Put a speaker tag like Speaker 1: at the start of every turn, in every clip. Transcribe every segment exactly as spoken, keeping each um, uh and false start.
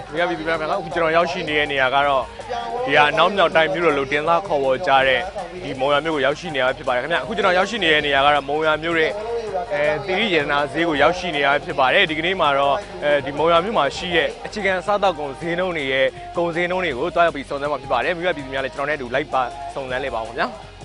Speaker 1: မိဘပြည်သူများခင်ဗျာအခုကျွန်တော်ရောက်ရှိနေတဲ့နေရာကတော့ဒီကအနောက်မြောက်တိုင်းမြို့တော်လို့တင်သားခေါ်ဝေါ်ကြတဲ့ဒီမုံရမြို့ကိုရောက်ရှိနေရဖြစ်ပါတယ်ခင်ဗျာအခုကျွန်တော်ရောက်ရှိနေတဲ့နေရာကတော့မုံရမြို့ရဲ့အဲတိရိယေနာဈေးကိုရောက်ရှိနေရဖြစ်ပါတယ်ဒီကနေ့မှာတော့အဲဒီမုံရမြို့မှာရှိတဲ့အခြေခံစားသောက်ကုန်ဈေးနှုန်းတွေရဲ့ကုန်ဈေးနှုန်းတွေကိုတွားရောက်ပြီးစုံစမ်းမှာဖြစ်ပါတယ်မိဘပြည်သူများလည်းကျွန်တော်နဲ့အတူလိုက်ပါစုံစမ်းလေပါအောင်ခင်ဗျာ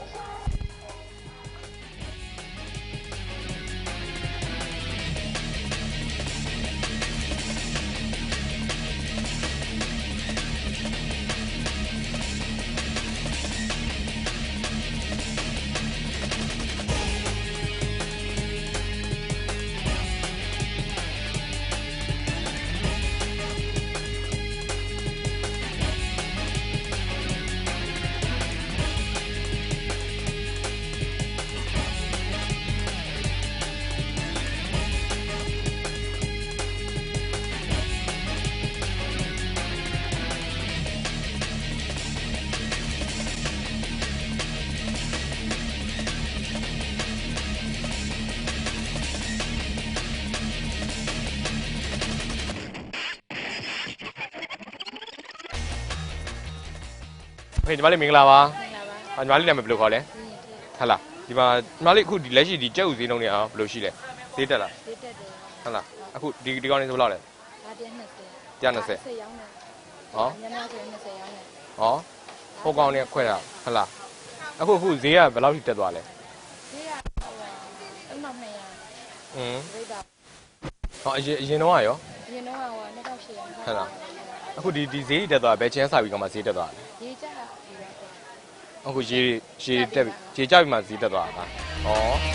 Speaker 1: ဖေးညီမလေးမင်္ဂလာပါညီမလေးနာမည်ဘယ်လိုခေါ်လဲဟုတ်လားဒီမှာညီမလေးအခုဒီလက်ရှိဒီကြက်ဥဈေးနှုန်းတွေအောင်ဘယ်လိုရှိလဲဈေးတက်လားဈေးတက်တယ်ဟုတ်လားအခုဒီဒီကောင်းနေဆိုဘယ်လောက်လဲဒါတစ်နှစ်ဆယ်တစ်နှစ်ဆယ်ရောင်းတယ်ဟောညညဆိုရင်နှစ်ဆယ်ရောင်းတယ်ဟောဟိုကောင်းနေခွဲတာဟုတ်လားအခုအခုဈေးကဘယ်လောက်ထိတက်သွားလဲဈေးကအမှတ်နှစ်ရာอืมဈေးတာဟောအရင်အရင်တော့ရောအရင်တော့ဟိုနှစ်ထောင်ရှစ်ရာဟုတ်လားအခုဒီဒီဈေးတက်သွားဘယ်ချင်းစာပြီးကမှဈေးတက်သွားလဲဈေးကျတာအခုရေရေတက်ရေကျပြီးမှဈေးတက်သွားတာ။ဩ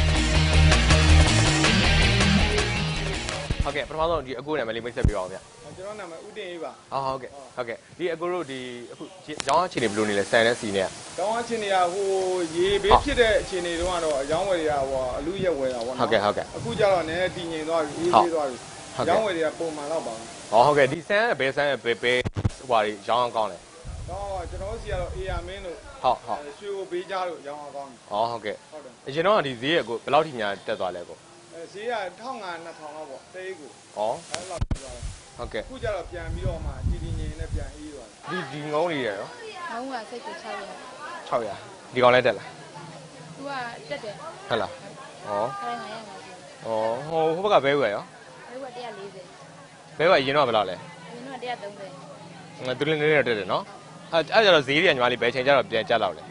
Speaker 1: ဟုတ်ကဲ့ပထမဆုံးဒီအကိုနာမည်လေးမိတ်ဆက်ပေးပါဦးဗျ။
Speaker 2: ကျွန်တော်နာမည်ဦးတင်အေးပါ
Speaker 1: ။ဟုတ်ဟုတ်ကဲ့ဟုတ်ကဲ့ဒီအကိုတို့ဒီအခုရောင်းအခြေအနေဘယ်လိုနေလဲဆန်နဲ့စီနဲ့
Speaker 2: ။ရောင်းအခြေအနေကဟိုရေဘေးဖြစ်တဲ့အခြေအနေတုန်းကတော့အယောင်းဝယ်တွေကဟိုအလူရက်ဝယ်တာပေါ့နော်
Speaker 1: ။ဟုတ်ကဲ့ဟုတ်ကဲ့
Speaker 2: အခုကျတော့နည်းနည်းတည်ငြိမ်သွားပြီအေးသေးသွားပြီ။ရောင်းဝယ်တွေကပုံမှန်တော့ပါဘူး
Speaker 1: ။ဟောဟုတ်ကဲ့ဒီဆန်ကဘယ်ဆန်ဘယ်ဘယ်ဟိုပါရောင်းအောင်ကောင်းလဲ
Speaker 2: ။တော့ကျွန်တော်စီကတော့အေးရမင်းတို့
Speaker 1: ဟုတ်ဟုတ်
Speaker 2: ရွှေကိုဘေးကြားလို့ရောင်းအောင်ကောင်းတယ်
Speaker 1: ။ဩဟုတ်ကဲ့ဟုတ်တယ်အရင်တော့ဒီဈေးကကိုဘယ်လောက်ထိများတက်သွားလဲကို
Speaker 2: အဲဈေးကတစ်ထောင်ငါးနှစ်ထောင်လောက်ပေါ့တဲကို
Speaker 1: ဩအဲ့
Speaker 2: လောက်ပြသွားတယ်
Speaker 1: ဟုတ်ကဲ့
Speaker 2: အခုကျတော့ပြန်ပြီးတော့မှတည်တည်ငြိမ်နဲ့ပြန်အေးသွား
Speaker 1: တယ်ဒီဒီငုံလေးရရော
Speaker 3: ငုံကစိတ်ကိုခြောက်ရာ
Speaker 1: ခြောက်ရာဒီကောင်လည်းတက်လား
Speaker 3: သူကတက်တယ်
Speaker 1: ဟုတ်လားဩ
Speaker 3: ခိုင်းငါရမှာ
Speaker 1: ဩဟိုဟိုဘက်ကဘဲဝယ်ရော
Speaker 3: ဘဲဝယ်တစ်ရာလေးဆယ်
Speaker 1: ဘဲဝယ်အရင်တော့ဘယ်လောက်လဲ
Speaker 3: အရင်တော့တစ်ရာသုံးဆယ်
Speaker 1: ငါသူလည်းနည်းနည်းတက်တယ်နော်အဲ့အဲ့ကျတော့ဈေးတွေကညီမလေးဘယ်ချိန်ကျတော့ပြန်ကျလောက်လဲ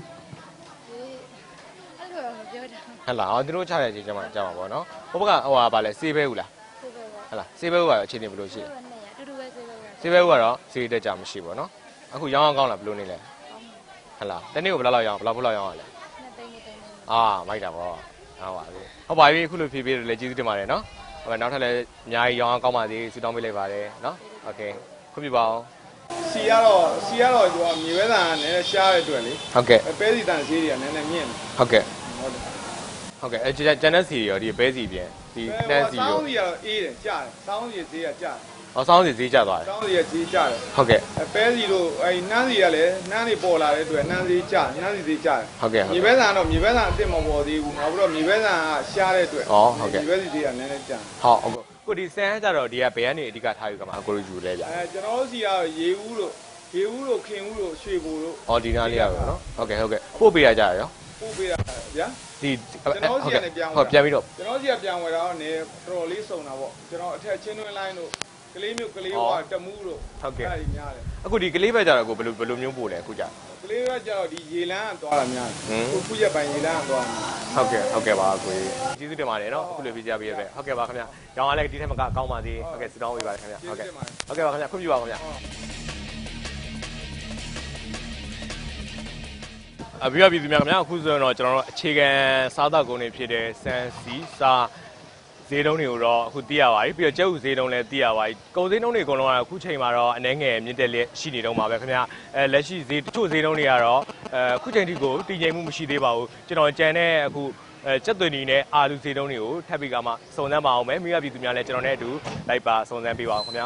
Speaker 3: အဲ့လိုမပြောတာ
Speaker 1: ဟဲ့လားဟောသူတို့ချတဲ့အချိန်ကျမှကျမှာပေါ့နော်ဟိုဘက်ကဟိုဟာဗာလဲစေးပဲဦးလား
Speaker 3: စေးပဲပါ
Speaker 1: ဟဲ့လားစေးပဲဦးကတော့အခြေအနေဘယ်လိုရှိလဲ
Speaker 3: တူတူပဲစေးပဲ
Speaker 1: စေးပဲဦးကတော့ဈေးတက်ကြမရှိပေါ့နော်အခုရောင်းအောင်ကောင်းလားဘယ်လိုနေလဲဟဲ့လားတနေ့ကိုဘယ်လောက်လောက်ရောင်းဘယ်လောက်ဖို့လောက်ရောင်းရလဲ
Speaker 3: နှစ်သိန်းနှစ်သိန်း
Speaker 1: အာမိုက်တာပေါ့ဟုတ်ပါပြီဟုတ်ပါပြီအခုလိုဖြည်းဖြည်းလည်းကျေးဇူးတင်ပါတယ်နော်ဟုတ်ကဲ့နောက်ထပ်လည်းအများကြီးရောင်းအောင်ကောင်းပါသေးဆုတောင်းပေးလိုက်ပါတယ်နော်โอเคခွင့်ပြုပါအောင်
Speaker 2: စီကတော့စီကတော့ဟိုမြေဝဲတန်ကလည်းရှားတဲ့အတွက်လေ
Speaker 1: ဟုတ်ကဲ့
Speaker 2: ပဲစီတန်ဈေးတွေကလည်းနည်းနည်းမြင့်တယ်
Speaker 1: ဟုတ်ကဲ့ဟုတ်တယ်ဟုတ်ကဲ့အဲကျန်တဲ့စီရောဒီပဲစီပြင်ဒီတန်းစီရော
Speaker 2: စောင်းစီကတော့အေးတယ်ကျတယ်စောင်းစီဈေးကကျတယ်
Speaker 1: ဟောစောင်းစီဈေးကျသွားတယ်
Speaker 2: စောင်းစီကဈေးကျတယ်
Speaker 1: ဟုတ်ကဲ့
Speaker 2: အဲပဲစီတို့အဲနန်းစီကလည်းနန်းတွေပေါ်လာတဲ့အတွက်နန်းဈေးကျနန်းစီဈေးကျတယ်
Speaker 1: ဟုတ်ကဲ့
Speaker 2: မြေပဲတန်တော့မြေပဲတန်အစ်စ်မပေါ်သေးဘူးနောက်ပြီးတော့မြေပဲတန်ကရှားတဲ့အတွက်
Speaker 1: ဩဟုတ်ကဲ့
Speaker 2: မြေပဲစီဈေးကနည်းနည်းကျတယ်
Speaker 1: ဟုတ်ဟုတ်ကိုဒီဆန်ကြတော့ဒီကဘယ်ကနေအဓိကထားယူကမှာအကိုယူလဲဗျ
Speaker 2: အဲကျွန်တော်တို့စီကတော့ရေဦးတို့ရေဦးတို့ခင်ဦးတို့ရွှေဘိုတို့
Speaker 1: ဩဒီနားလေးရပါနော်ဟုတ်ကဲ့ဟုတ်ကဲ့ပို့ပေးရကြရော
Speaker 2: ပို့ပေးရဗျာ
Speaker 1: ဒီ
Speaker 2: ကျွန်တော်စီကနေပြန်
Speaker 1: ဟုတ်ပြန်ပြီးတော့
Speaker 2: ကျွန်တော်စီကပြန်ဝယ်တာတော့နေတော်တော်လေးစုံတာပေါ့ကျွန်တော်အထက်ချင်းတွင်းလိုင်းတို့ကလေးမျိုးကလေးဝါတမူးတို့
Speaker 1: ဟုတ်ကဲ့
Speaker 2: အဲ့ဒီများတယ်
Speaker 1: အခုဒီကလေးပဲကြတော့ကိုဘယ်လိုဘယ်လိုမျိုးပို့လဲအခုကြ
Speaker 2: ကလေးပဲကြတော့ဒီရေလန်းကသွားတာများတယ်ခုခုရက်ပိုင်းရေလန်းကသွား
Speaker 1: တာဟုတ်ကဲ့ဟုတ်ကဲ့ပါကိုကျေးဇူးတင်ပါတယ်နော်အခုလိုပြကြပေးရတဲ့ဟုတ်ကဲ့ပါခင်ဗျာရောင်းရလဲဒီထက်မကကောင်းပါသေးဟုတ်ကဲ့စတောင်းပေးပါတယ်ခင်ဗျာဟုတ်ကဲ့ဟုတ်ကဲ့ပါခင်ဗျာခွင့်ပြုပါခင်ဗျာအပြည့်အပြည့်များခင်ဗျာအခုဆိုရင်တော့ကျွန်တော်တို့အခြေခံစားသောက်ကုန်တွေဖြစ်တဲ့စံစီစာဈေးတုံးတွေကိုတော့အခုသိရပါပြီပြီးတော့ကျုပ်ဈေးတုံးလည်းသိရပါပြီကုန်ဈေးတုံးတွေအကုန်လုံးကအခုချိန်မှာတော့အနှဲငယ်မြင့်တက်လက်ရှိနေတော့မှာပဲခင်ဗျာအဲလက်ရှိဈေးတချို့ဈေးတုံးတွေကတော့အဲအခုချိန်ထိကိုတည်ငြိမ်မှုမရှိသေးပါဘူးကျွန်တော်ကြံတဲ့အခုအဲစက်သွင်းနေနဲ့အာလူဈေးတုံးတွေကိုထပ်ပြီးကမှစုံစမ်းပါအောင်မယ်မိဘပြည်သူများလည်းကျွန်တော်နဲ့အတူလိုက်ပါစုံစမ်းပေးပါအောင်ခင်ဗျာ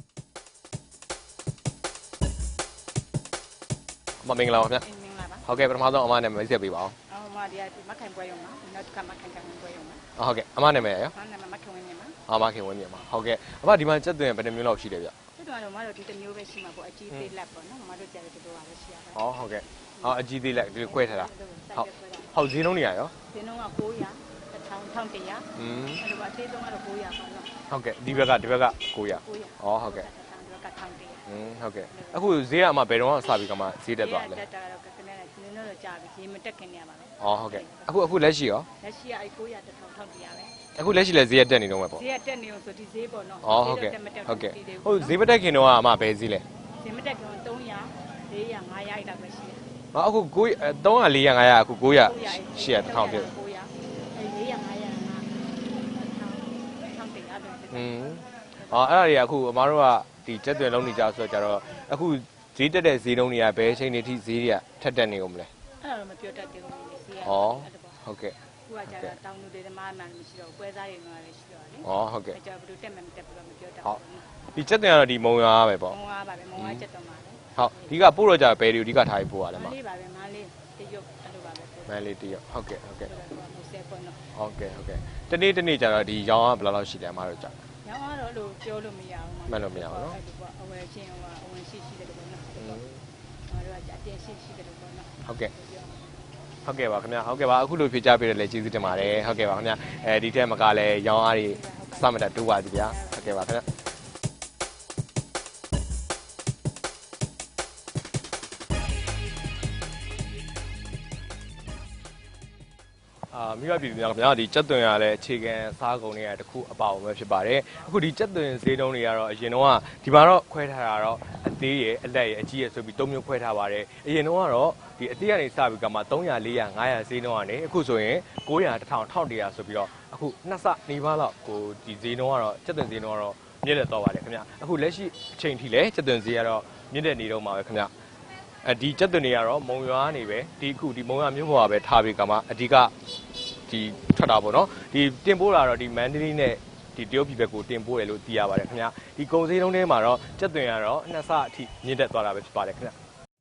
Speaker 1: မင်္ဂလာပါခင်ဗျာဟုတ်ကဲ့ပထမဆုံးအမနာမည်မိတ်ဆက်ပေးပါအောင်
Speaker 3: အော်အမဒီကမခိုင်ပွဲရုံမှာနောက်ကမခိုင်ကံပွဲရုံမှာ
Speaker 1: ဟုတ်ကဲ့အမနာမည်ရော
Speaker 3: အမနာမည်မခင်ဝင်းမြမှာ
Speaker 1: အမခင်ဝင်းမြမှာဟုတ်ကဲ့အမဒီမှာစက်သွင်းဘယ်နှမျိုးလောက်ရှိလဲဗျ
Speaker 3: စက်သွန်ကတော့မတို့ဒီတစ်မျိုးပဲရှိမှာပေါ့အကြီးသေးလက်ပေါ့နော်မတို့ကြတယ်ဒီလိုပါပဲရှိရပါ
Speaker 1: ဟောဟုတ်ကဲ့ဟောအကြီးသေးလက်ဒီလိုခွဲထားတာဟုတ်ဟုတ်ဈေးနှုန်းနေရရော
Speaker 3: ဈေးနှုန်းက၉ရာ တစ်ထောင်တစ်ထောင်တစ်ရာ
Speaker 1: อืม
Speaker 3: အဲ့လိုပါသေးဆုံးကတော့၉ရာပေါ့နော်
Speaker 1: ဟုတ်ကဲ့ဒီဘက်ကဒီဘက်က၉ရာ
Speaker 3: ၉ရာ
Speaker 1: ဟောဟုတ်ကဲ့
Speaker 3: ဒီဘက်ကတစ်ထောင်တစ်ရာ
Speaker 1: อืมဟုတ်ကဲ့အခုဈေးကအမှဘယ်တော့မှစပြီးကမှဈေးတက်သွားလဲ
Speaker 3: တက်တာကတော့ကနည်းနည်းနည်းနည်းတော့ကြာပြီရေမတက်ခင်နေရပါပဲ
Speaker 1: ဟောဟုတ်ကဲ့အခုအခုလက်ရှိရော
Speaker 3: လက်ရှိကအဲ့၉ရာတစ်ထောင်တစ်ထောင်တစ်ရာပဲ
Speaker 1: အခုလက်ရှိလည်းဈေးတက်နေတော့မှာပေါ့
Speaker 3: ဈေးကတက်နေအောင်ဆိုဒီဈေးပေါ့နော်
Speaker 1: ဟောဟုတ်ကဲ့
Speaker 3: တက်မတက်
Speaker 1: ဟုတ်ကဲ့
Speaker 3: ဒီသေး
Speaker 1: ဟုတ်ဈေးမတက်ခင်တော့ကအမှဘယ်ဈေးလဲ
Speaker 3: ဈေးမတက်ခင်၃ရာ၄ရာ၅ရာအဲ့လောက်ပဲရှိတယ်
Speaker 1: ဟောအခု9 300 400 500အခု900 800 1000ပြည့်
Speaker 3: ၉ရာအဲ့၄ရာ၅ရာကတစ်ထောင်တစ်ရာပဲ
Speaker 1: อืมအော်အဲ့ဒါတွေကအခုအမားတို့ကဒီကျက်သွင်လုံးနေကြဆိုတော့ကြတော့အခုဈေးတက်တဲ့ဈေးနှုန်းတွေကဘယ်အချိန်တွေထိဈေးတွေကထက်တက်နေကုန်မလဲ
Speaker 3: အဲ့ဒါတော့မပြောတတ်သေးဘူးလေဈေးက
Speaker 1: ဩဟုတ်ကဲ့
Speaker 3: ခုကကြာတောင်းလူတွေဓမ္မမှန်မရှိတော့ပွဲစားတွေတော့လည်းရှိတော့လေ
Speaker 1: ဩဟုတ်ကဲ့
Speaker 3: အဲ့ကြောင့်ဘယ်လိုတက်မှမတက်ဘူးတော့မပြောတတ်
Speaker 1: ဟုတ်
Speaker 3: ဘူး
Speaker 1: ဒီကျက်သွင်ကတော့ဒီမုံရွာပဲပေါ့
Speaker 3: မုံဝါပါပဲမုံဝါချက်တော့မှာလေ
Speaker 1: ဟုတ်ဒီကပို့တော့ကြဘယ်တွေအဓိကထားပြီးပို့ရလဲ
Speaker 3: မ
Speaker 1: မ
Speaker 3: လေးပါပဲမလေးတရုတ်အဲ့လိုပါပဲပို့
Speaker 1: မန်လေးတရဟုတ်ကဲ့ဟုတ်ကဲ့
Speaker 3: တယ်မိုးဆဲပေါ့နော်
Speaker 1: ဟုတ်ကဲ့ဟုတ်ကဲ့တနေ့တနေ့ကျတော့ဒီရောင်းကဘယ်လောက်လောက်ရှိတယ်အမားတို့ကြာ
Speaker 3: ညောင်းကတော့လို့ပြောလို့မရဘူး
Speaker 1: မှန်လို့မရဘူးနော်
Speaker 3: အဲ့လိုပေါ့အဝယ်ချင်းဟိုအဝင်ရှိရှိတယ်လို့ပေါ့နော်
Speaker 1: อืม
Speaker 3: ငါတို့ကအတင်ရှိရှိတယ်လို့ပေါ့နော်
Speaker 1: ဟုတ်ကဲ့ဟုတ်ကဲ့ပါခင်ဗျာဟုတ်ကဲ့ပါအခုလိုဖြေချပေးရလဲကျေးဇူးတင်ပါတယ်ဟုတ်ကဲ့ပါခင်ဗျာအဲဒီထက်မကလည်းရောင်းအားတွေအစမတက်တိုးပါသည်ဗျာဟုတ်ကဲ့ပါခင်ဗျာအာမိဘပြည်သူများခင်ဗျာဒီကြက်သွင်ရလဲအခြေခံစားကုန်တွေကတခုအပါအဝင်ပဲဖြစ်ပါတယ်အခုဒီကြက်သွင်ဈေးနှုန်းတွေကတော့အရင်တော့ဒီမှာတော့ခွဲထားတာတော့အသေးရယ်အလက်ရယ်အကြီးရယ်ဆိုပြီးသုံးမျိုးခွဲထားပါတယ်အရင်တော့ကတော့ဒီအသေးကနေစပြီးကမှ300 400 500ဈေးနှုန်းကနေအခုဆိုရင်900 1000 1100ဆိုပြီးတော့အခုနှစ်ဆနေပါတော့ကိုဒီဈေးနှုန်းကတော့ကြက်သွင်ဈေးနှုန်းကတော့မြင့်လက်တော့ပါတယ်ခင်ဗျာအခုလက်ရှိအချိန်ထိလဲကြက်သွင်ဈေးကတော့မြင့်တက်နေတော့မှာပဲခင်ဗျာအဲဒီကြက်သွင်တွေကတော့မုံရွာနေပဲဒီအခုဒီမုံရွာမြို့ပေါ်ကပဲထားပြီးကမှအဓိကဒီထွက်တာပေါ့နော်ဒီတင်ပို့တာတော့ဒီမန္တလေးနဲ့ဒီတရုတ်ပြည်ဘက်ကိုတင်ပို့ရလို့သိရပါတယ်ခင်ဗျာဒီကုန်စည်နှုန်းထဲမှာတော့ကြက်သွင်ကတော့နှစ်ဆအထိမြင့်တက်သွားတာပဲဖြစ်ပါတယ်ခင်ဗျာ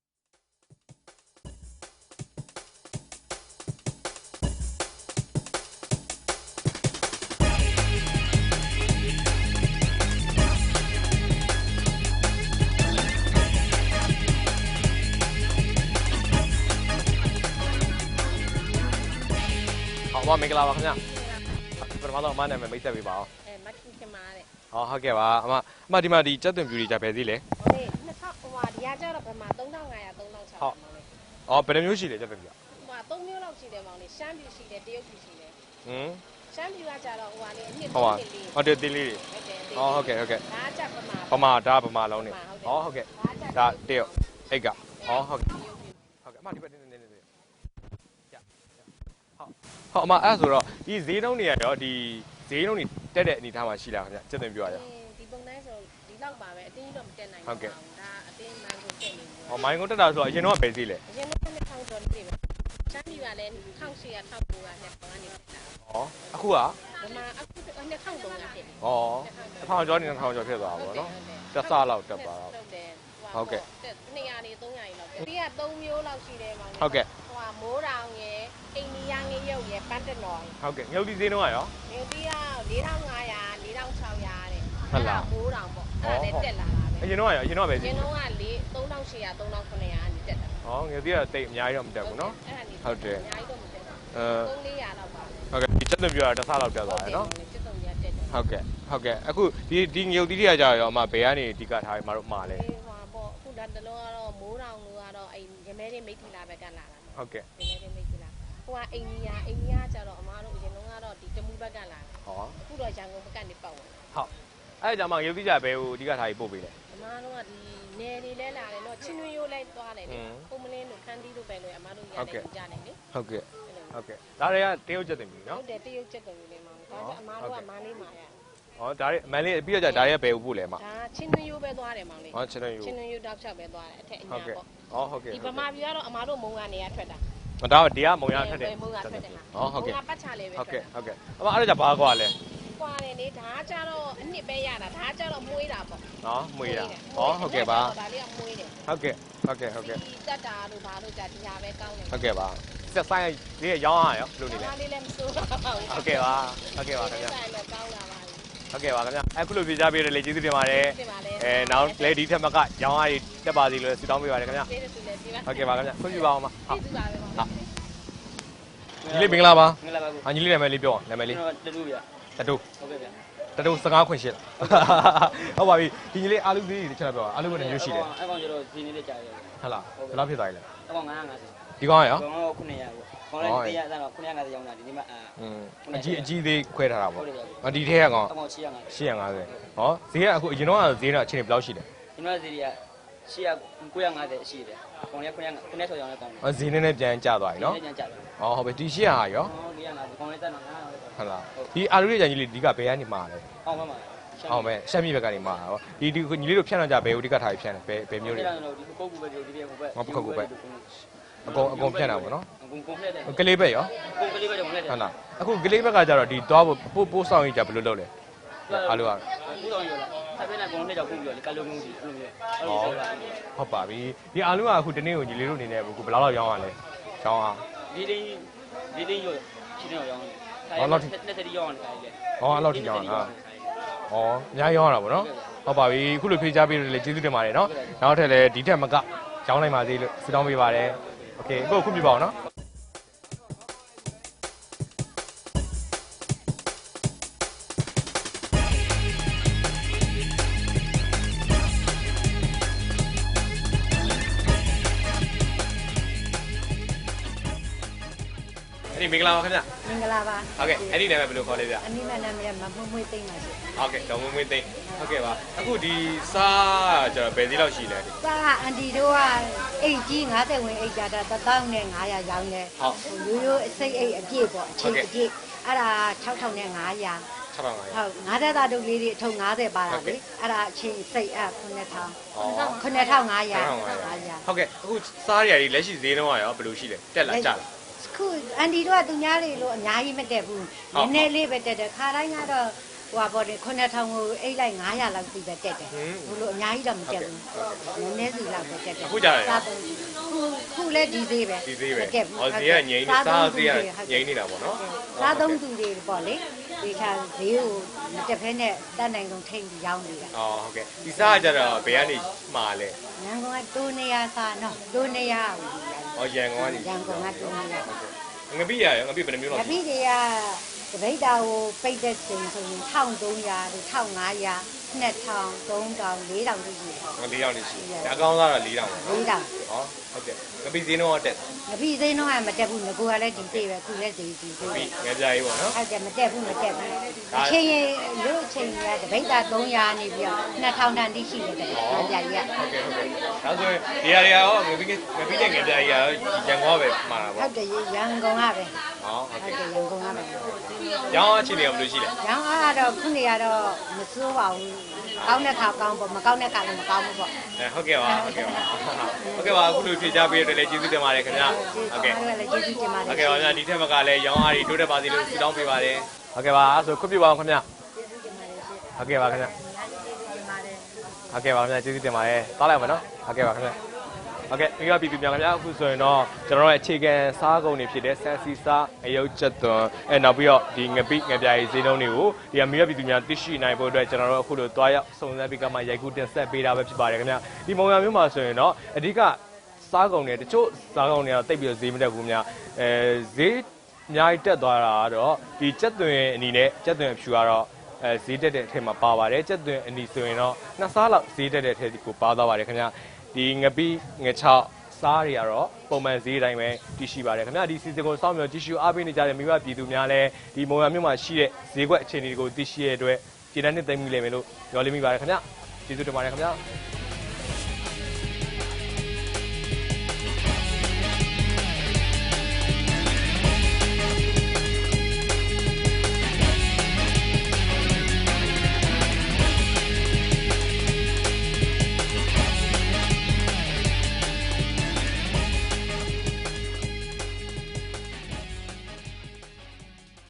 Speaker 1: ဟောမင်္ဂလာပါခင်ဗျာပထမဆုံးအမနာမည်မိတ်ဆက်ပေးပါအောင်
Speaker 4: အဲမတ်ခင်ခင်မာတဲ့
Speaker 1: ဟောဟုတ်ကဲ့ပါအမအမဒီမှာဒီကြက်သွင်ပြူတွေကြပဲသေးလေ
Speaker 4: ဟိုလေနှစ်ထောင်ဟိုဟာဒီကကျတော့ဗမာ၃၅၀၀ ၃၆၀၀
Speaker 1: ဟုတ်
Speaker 4: မောင်လေး
Speaker 1: အော်ဘယ်နှမျိုးရှိလဲကြက်သွင်ပြူ
Speaker 4: ဟိုဟာ၃မျိုးလောက်ရှိတယ်မောင်လေးရှမ်းပြူရှိတယ်တရုတ်ပြူရှိတယ်
Speaker 1: ဟင်း
Speaker 4: ရှမ်းပြူကကျတော့ဟိုဟာလေအနှစ်
Speaker 1: ဟောပါ
Speaker 4: ၃နှစ်လေး
Speaker 1: ဟုတ်တယ်သေးလေးတွေ
Speaker 4: ဟုတ်တယ်
Speaker 1: ဟောဟုတ်ကဲ့ဟုတ်ကဲ့
Speaker 4: ဒါကကျဗမာ
Speaker 1: ပမာဒါပမာလုံးနေဟောဟုတ်ကဲ့
Speaker 4: ဒါက
Speaker 1: ဒါတရုတ်အိတ်ကဟောဟုတ်ကဲ့ဟုတ်ကဲ့အမဒီဘက်နေနေနေနေရဟုတ်ဟောအမအဲ့ဆိုတော့ဒီဈေးနှုန်းတွေရောဒီဈေးနှုန်းတွေတက်တဲ့အနေထားမှာရှိလားခင်ဗျကြက်သွင်ပြူရရော
Speaker 4: ဒီပုံတိုင်းဆိုဒီလောက်ပါပဲအတင်းကြီးတော့မတက်နိုင်
Speaker 1: ဟုတ်ကဲ့
Speaker 4: ဒါအတင်းမှန်ကိုတက်နေဘူး
Speaker 1: ဟောမိုင်းကုန်တက်တာဆိုတော့အရင်တော့ပဲသေးလေ
Speaker 4: အရင်ကနှစ်ထောင်ကျော်လေးပဲရှမ်းပြူကလည်း၁၈၀၀ ၁၉၀၀နဲ့ပေါင်းကနေတက်တာ
Speaker 1: ဟောအခုက
Speaker 4: ဗမာအခုနှစ်ထောင်သုံးရာဖြစ်
Speaker 1: ဟောတစ်ထောင်ကျော်နေတစ်ထောင်ကျော်ဖြစ်သွားတာပေါ့နော်တက်ဆလောက်တက်သွားတော့
Speaker 4: ဟုတ်တယ်
Speaker 1: ဟုတ်ကဲ့
Speaker 4: နှစ်ရာနေသုံးရာကြီးလောက်တယ်ဒီကသုံးမျိုးလောက်ရှိတယ်မောင်လေး
Speaker 1: ဟုတ်ကဲ့
Speaker 4: ဟိုဟာမိုးတောင်ရယ်အိန္ဒိယငရုတ်ရယ်ပန်းတနော်ရယ်
Speaker 1: ဟုတ်ကဲ့ငုတ်ဒီဈေးနှုန်းကရော
Speaker 4: မြင်းပြီးက၄ထောင်၅ရာ၄ထောင်၆ရာတဲ့
Speaker 1: ဟုတ်လား
Speaker 4: မိုးတောင်ပေါ့အဲ့ဒါလည်းတက်လာတာပဲ
Speaker 1: အရင်တော့ကရောအရင်တော့ပဲ
Speaker 4: ရ
Speaker 1: ဈေး
Speaker 4: င်းတော့က၄သုံးထောင်၈ရာသုံးထောင်၇ရာကနေတက်တာ
Speaker 1: ဟောငယ်သေးတာတိတ်အများကြီးတော့မတက်ဘူးနော်
Speaker 4: အဲ့ဒါနေ
Speaker 1: ဟုတ်တယ်
Speaker 4: အများကြီးတော့မတက်ဘူး
Speaker 1: အဲ
Speaker 4: သုံးလေးရာလောက်ပါ
Speaker 1: ဟုတ်ကဲ့ဒီချက်သွင်းပြရတာတစ်ဆလောက်တက်သွားတယ်နော်
Speaker 4: စစ်တုံကြီးတက်တယ်
Speaker 1: ဟုတ်ကဲ့ဟုတ်ကဲ့အခုဒီဒီငုတ်တီးတွေကကြာရောအမဘယ်ကနေအဓိကထားပြီးမတို့မှာလဲ
Speaker 4: အေးဟွာပေါ့အခုဒါတလုံးကတော့မိုးတောင်လို့ကတော့အဲ့ရမဲတွေမိတ်ထီလာဘက်ကလာတာ
Speaker 1: ဟုတ်ကဲ့
Speaker 4: ရမဲတွေမိတ်ထီလာဟိုကအိန္ဒိယအိန္ဒိယကျတော့အမားတို့အရင်တုန်းကတော့ဒီတမူဘက်ကလာတယ်
Speaker 1: ဟော
Speaker 4: အခုတော့ရန်ကုန်ဘက်ကနေပတ်ဝင်
Speaker 1: ဟုတ်အဲ့ဒါကြောင့်မှငုတ်တီးကြဘယ်ကိုအဓိကထားပြီးပို့ပေးလဲ
Speaker 4: အမားတို့ကဒီနယ်တွေလဲလာတယ်နော်ချင်းတွင်းရိုးလိုက်သွားတယ်လေ
Speaker 1: ဟွန်း
Speaker 4: ပုံမလင်းတို့ခန်းတီးတို့ပဲလို့အမားတို့ရ
Speaker 1: ဟုတ်
Speaker 4: တ
Speaker 1: ကဲ့
Speaker 4: ယ်ကြတယ်လေ
Speaker 1: ဟုတ်ကဲ့
Speaker 4: အဲ့လို
Speaker 1: ဟုတ်ကဲ့ဒါတွေကတရုတ်ချက်သွင်းပြီ
Speaker 4: ဟု
Speaker 1: နော်
Speaker 4: တ်တယ်တရုတ်ချက်တယ်လေမောင်ဒါကအမားတို့ကမန်းလေးမှာရ
Speaker 1: ဟောဒါတွေအမှန်လေးပြီးတော့ကြာဒါတွေကဘယ်ကိုပို့လဲမ
Speaker 4: ဒါချင်းတွင်းရိုးပဲသွားတယ်မောင်လေး
Speaker 1: ဟောချက်သွင်းယူ
Speaker 4: ချင်းတွင်းရိုးတောက်လျှောက်ပဲသွားတယ်အထက်အ
Speaker 1: ဟုတ်
Speaker 4: ညာ
Speaker 1: ကဲ့
Speaker 4: ပေါ့
Speaker 1: ဟောဟုတ်ကဲ့
Speaker 4: ဒီဗမာပြည်ကတော့အမားတို့မုံကနေရထွက်တာ
Speaker 1: ဒါကဒီကမုံရထွက်တယ်
Speaker 4: မုံကထွက်တယ်
Speaker 1: ဟောဟုတ်ကဲ့
Speaker 4: မုံကပတ်ချလေးပဲ
Speaker 1: ဟုတ်
Speaker 4: ထွ
Speaker 1: ကဲ့
Speaker 4: က်တာ
Speaker 1: ဟုတ်ကဲ့အမအဲ့ဒါကြဘာကွာလဲ
Speaker 4: ကွာတယ်လေဒါကကြတော့အနှစ်ပဲရတာဒါကကြတော့မွေးတာပေါ့
Speaker 1: နော်မွေးတာဟောဟုတ်ကဲ့ပါ
Speaker 4: ဒါလေးကမွေးတယ်
Speaker 1: ဟုတ်ကဲ့ဟုတ်ကဲ့ဟုတ်ကဲ့
Speaker 4: ဒီတက်တာတို့ဘာလို့ကြဒီဟာပဲကောင်းတယ်
Speaker 1: ဟုတ်ကဲ့ပါဆက်ဆိုင်လေးရောင်းရရောဘယ်လိုနေလဲ
Speaker 4: ဒါလေးလည်းမစိုးပါဘူး
Speaker 1: ဟုတ်ကဲ့ပါဟုတ်ကဲ့ပါခင်ဗျာ
Speaker 4: ဆိုင်လည်းကောင်းလာပါပြီ
Speaker 1: ဟဟုတ်ကဲ့ပါခင်ဗျအခုလိုပြေးကြပေးရလေကျေးဇူးတင်ပါတယ်
Speaker 4: တင်ပါလေ
Speaker 1: အဲနောက်လေဒီထက်မကရောင်းအားတွေတက်ပါစီလို့ဆုတောင်းပေးပါတယ်ခင်ဗျ
Speaker 4: ကျေးဇူးတင်ပြီပါ
Speaker 1: ဟုတ်ကဲ့ပါခင်ဗျခွင့်ပြုပါအောင်ပါဟုတ်
Speaker 4: ကျေးဇူးပါပဲပါ
Speaker 1: ညီလေးမင်္ဂလာပါ
Speaker 5: မင်္ဂလာပါကို
Speaker 1: အညီလေးနာမည်လေးပြောနာမည်လေး
Speaker 5: ကျွန်တော်တူတူဗျ
Speaker 1: တတူ
Speaker 5: ဟုတ်ကဲ့ဗျ
Speaker 1: တတူစကားခွင့်ရှိလားဟုတ်ပါပြီဒီညီလေးအာလူသေးတွေတစ်ချက်ပြောအာလူဘယ်နှမျိုးရှိလဲ
Speaker 5: အဲ့ကောင်ကျတော့ဒီနေ့လေးကြာတယ်
Speaker 1: ဟုတ်လားဘယ်လောက်ဖြစ်သွားပြီလဲ
Speaker 5: အဲ့ကောင်950
Speaker 1: ဒီကောင်ရော
Speaker 5: ကောင်တော့900ပေါ့ကောင်လည်းတရားအဲ့တော့950ရောင်းတာဒီနေ့မှအာ
Speaker 1: อืมအကြီးအကြီးသေးခွဲထားတာ
Speaker 5: ဟု
Speaker 1: ပေါ့
Speaker 5: တ်တယ်ဗျ
Speaker 1: အဒီထဲကကောင်
Speaker 5: အဲ့ကောင်850
Speaker 1: ၈၅၀ဟောဈေးကအခုအရင်တော့ဈေးတော့အချိန်ဘယ်လောက်ရှိလဲ
Speaker 5: ဒီနေ့စီရီက950ရှိတယ်ကောင်လည်း900 900ဆော်ရောင်းတဲ့ကောင်
Speaker 1: ဟောဈေးနည်းနည်းပြန်ကျသွားပြီနော်
Speaker 5: ဒီနေ့ကြာတယ်
Speaker 1: ဟောဟုတ်ပြီဒီ၈၅၀ရော
Speaker 5: ဟော450ကောင်လည်းတက်တော့900
Speaker 1: ဟုတ်လားဒီအာလူရဲ့ကြံကြီးလေးဒီကဘယ်ကနေမှာလဲ
Speaker 5: အောင်ပါမှာ
Speaker 1: အောင်မဲ့ရှမ်းပြည်ဘက်ကနေမှာဟောဒီဒီညီလေးတို့ဖြန့်တော့ကြဘယ်ဦးဒီကထားပြီးဖြန့်တယ်ဘယ်ဘယ်မျိုး
Speaker 5: ဒီ
Speaker 1: တွေ
Speaker 5: ကတော့ဒီကုတ်ကူပဲဒီဒီဟိုဘက်
Speaker 1: အကုန်အကုန်ဖြန့်တာပေါ့နော်
Speaker 5: အကုန်ကုန်ဖက်တယ်
Speaker 1: ကလေးဘက်ရော
Speaker 5: ကုန်ကလေးပဲတော့ဝင်တယ်
Speaker 1: ဟုတ်လားအခုကလေးဘက်ကကြတော့ဒီသွားဖို့ပို့ပို့ဆောင်ရေးကြဘယ်လိုလုပ်လဲအာလူက
Speaker 5: ဘူးတော်ရောလားအဲ့ဘက်နဲ့ကောင်နဲ့ကြောက်ကုန်ပြီးတော့ကလုံးလုံးစီအဲ့လိုမျိုးအဲ့လိုဆိုတာ
Speaker 1: ဟုတ်ပါပြီဒီအာလူကအခုတနေ့ကိုညီလေးတို့အနေနဲ့အခုဘယ်လောက်လောက်ရောင်းရလဲရောင်းအောင်
Speaker 5: ဒီတင်းဒီတင်းရောချင်းတော့ရောင်းတယ်နှစ်သက်ရောင်းတယ်လေ
Speaker 1: ဟောအဲ့လောက်ထိရောင်းတာဩအများရောင်းရတာပေါ့နော်ဟုတ်ပါပြီအခုလိုဖြေချပေးလို့လည်းကျေးဇူးတင်ပါတယ်နော်နောက်ထပ်လည်းဒီထက်မကရောင်းနိုင်ပါသေးလို့ဆုတောင်းပေးပါတယ်โอเคအခုခုပြပါအောင်နော်အဲ့ဒီမင်္ဂလာပါခင်ဗျ
Speaker 3: မင်္ဂလာပါ
Speaker 1: ဟုတ်ကဲ့အဲ့ဒီနာမည်ဘယ်လိုခေါ်လဲဗျ
Speaker 3: အနိမနာမည်မမွေးမွေးသိမ့်ပါရှင်
Speaker 1: ဟုတ်ကဲ့ဒေါ်မွေးမွေးသိန်းဟုတ်ကဲ့ပါအခုဒီစားကျတော့ဘယ်စီလောက်ရှိလဲ
Speaker 3: စာအန်တီတို့ကအိတ်ကြီး50ဝင်အိတ်ကြတာတစ်သောင်းနဲ့900ရောင်းတယ်
Speaker 1: ဟုတ်
Speaker 3: ရိုးရိုးအစိတ်အိတ်အပြည့်ပေါ့အချိန်အပြည့်အဲ့ဒါ6500နဲ့900
Speaker 1: ၆ထောင်ပါရ
Speaker 3: ဟုတ်ငါးသက်သားတုပ်လေးတွေအထုံ90ပါတာလေအဲ့ဒါအချင်းစိတ်အဲ့9000 9500
Speaker 1: 9500ဟုတ်ကဲ့အခုစားရည်လက်ရှိဈေးနှုန်းကရောဘယ်လိုရှိလဲတက်လာကျလာ
Speaker 3: ခုအန်တီတို့ကသူများတွေလို့အများကြီးမတက်ဘူးနည်းနည်းလေးပဲတက်တယ်ခါတိုင်းကတော့ဟိုပါပေါ့9000ကိုအိတ်လိုက်900လောက်စီပဲတက်တယ်ဘလို့အများကြီးတော့မတက်ဘူးနည်းနည်းစီလောက်ပဲတက်တယ်ခုခုလည်းဒီသေးပဲ
Speaker 1: ဒီဈေးပဲ
Speaker 3: တက်ဘူး
Speaker 1: ဟောဈေးကငိမ့်နေစားဈေးကငိမ့်နေတာပေါ့နော်
Speaker 3: စားသုံးသူတွေပေါ့လေဒီခါဈေးကိုမတက်ဖဲနဲ့တတ်နိုင်ကုန်ထိန်ပြီးရောင်းနေတာ
Speaker 1: အော်ဟုတ်ကဲ့ဒီစားကကြတော့ဘယ်ကနေမှာလဲ
Speaker 3: ရန်ကုန်ကတိုးနေရစားနော်တိုးနေရဘူး
Speaker 1: ဟောရန်ကုန်ကနေ
Speaker 3: ရန်ကုန်ကတိုးနေရ
Speaker 1: ငပိရရောငပိဘယ်နှမျိုး
Speaker 3: င
Speaker 1: လောက်
Speaker 3: ပိတွေကတပိတ်တာကိုပိတ်တဲ့ချိန်ဆိုရင်1300တို့1500 2000 3000 4000တို့ရှိတယ်
Speaker 1: ငလေးတောင်နေရှိတယ်အကောင်းစားတော့လေးတောင်ပေါ့နော်
Speaker 3: 4000
Speaker 1: ဟောဟုတ်ကဲ့ငပိဈေးနှုန်းကတက်
Speaker 3: ငပိစိမ်းတော့မတက်ဘူးငကိုကလည်းဒီသေးပဲခုလည်းဒီဒီသေးပဲ
Speaker 1: ပြီးငယ်ကြရေးပေါ့နော်
Speaker 3: အဲ့ဒါမတက်ဘူးမတက်ဘူးအချိန်ရင်လို့အချိန်ကတပိတ်တာ300နေပြီးတော့2000တန်တိရှိတယ်တဲ့ကြာကြီးက
Speaker 1: ဟုတ်ကဲ့ဟုတ်ကဲ့ဒါဆိုရင်ဒီဟာတွေရောငပိငပိတဲ့ငယ်ကြရေးရောရန်ကုန်ကပဲမှာတာ
Speaker 3: ဟု
Speaker 1: ပေါ့
Speaker 3: တ်တယ်ရန်ကုန်ကပဲ
Speaker 1: ဟောဟုတ်
Speaker 3: ဟုတ်
Speaker 1: ကဲ့
Speaker 3: တယ်ရန်ကုန်ကပဲ
Speaker 1: ရောင်းအခြေအနေကဘယ်လိုရှိလဲ
Speaker 3: ရန်အားတော့ခုနေရတော့မစိုးပါဘူးကောင်းတဲ့ခါကောင်းပေါ့မကောင်းတဲ့ခါလည်းမကောင်းဘူးပေါ့
Speaker 1: အဲဟုတ်ကဲ့ပါဟုတ်ကဲ့ပါဟုတ်ကဲ့ပါအခုလိုဖြေချပေးရတဲ့လည်းကျေးဇူးတင်ပါတယ်ခင်ဗျာဟုတ်ကဲ့
Speaker 3: ဟုတ်ကဲ့လည်းကျေးဇူးတင်ပါတယ်
Speaker 1: ဟုတ်ကဲ့ပါဗျာဒီထက်မကလည်းရောင်းအားတွေတိုးတက်ပါစေလို့ဆုတောင်းပေးပါတယ်ဟုတ်ကဲ့ပါအဲ့ဆိုခွင့်ပြုပါအောင်ခင်ဗျာ
Speaker 3: ကျေးဇူးတင်ပါတယ်ရှင်
Speaker 1: ဟုတ်ကဲ့ပါခင်ဗျာ
Speaker 3: ကျေးဇူးတင်ပါတယ်
Speaker 1: ဟုတ်ကဲ့ပါခင်ဗျာကျေးဇူးတင်ပါတယ်တားလိုက်ပါနော်ဟုတ်ကဲ့ပါခင်ဗျာဟုတ်ကဲ့မိဘပြည်သူများခင်ဗျာအခုဆိုရင်တော့ကျွန်တော်တို့ရဲ့အခြေခံစားကုန်တွေဖြစ်တဲ့ဆန်စီစားအယုတ်ချက်သွန်အဲနောက်ပြီးတော့ဒီငပိငပြားရေးဈေးနှုန်းတွေကိုဒီမိဘပြည်သူများသိရှိနိုင်ဖို့အတွက်ကျွန်တော်တို့အခုလိုတွားရောက်စုံစမ်းပြီးကမှရိုက်ကူးတင်ဆက်ပေးတာပဲဖြစ်ပါတယ်ခင်ဗျာဒီမုံရမျိုးမှာဆိုရင်တော့အဓိကစားကုန်တွေတချို့စားကုန်တွေကတော့တိတ်ပြီးတော့ဈေးမတက်ဘူးများအဲဈေးအများကြီးတက်သွားတာကတော့ဒီချက်သွင်အနေနဲ့ချက်သွင်ဖြူကတော့အဲဈေးတက်တဲ့အထက်မှာပါပါတယ်ချက်သွင်အနီဆိုရင်တော့နှစ်စားလောက်ဈေးတက်တဲ့အထက်ကိုပါသွားပါတယ်ခင်ဗျာဒီငပိငချောက်စားတွေကတော့ပုံမှန်ဈေးတိုင်းပဲတည်ရှိပါတယ်ခင်ဗျာဒီစီစဉ်ကိုစောင့်မျှော်ကြည့်ရှုအားပေးနေကြတဲ့မိဘပြည်သူများလည်းဒီမုံရမြို့မှာရှိတဲ့ဈေးကွက်အခြေအနေတွေကိုသိရှိရတဲ့အတွက်ကျေနပ်နှစ်သိမ့်မိလိမ့်မယ်လို့ပြောလိမ့်မိပါတယ်ခင်ဗျာကျေးဇူးတင်ပါတယ်ခင်ဗျာ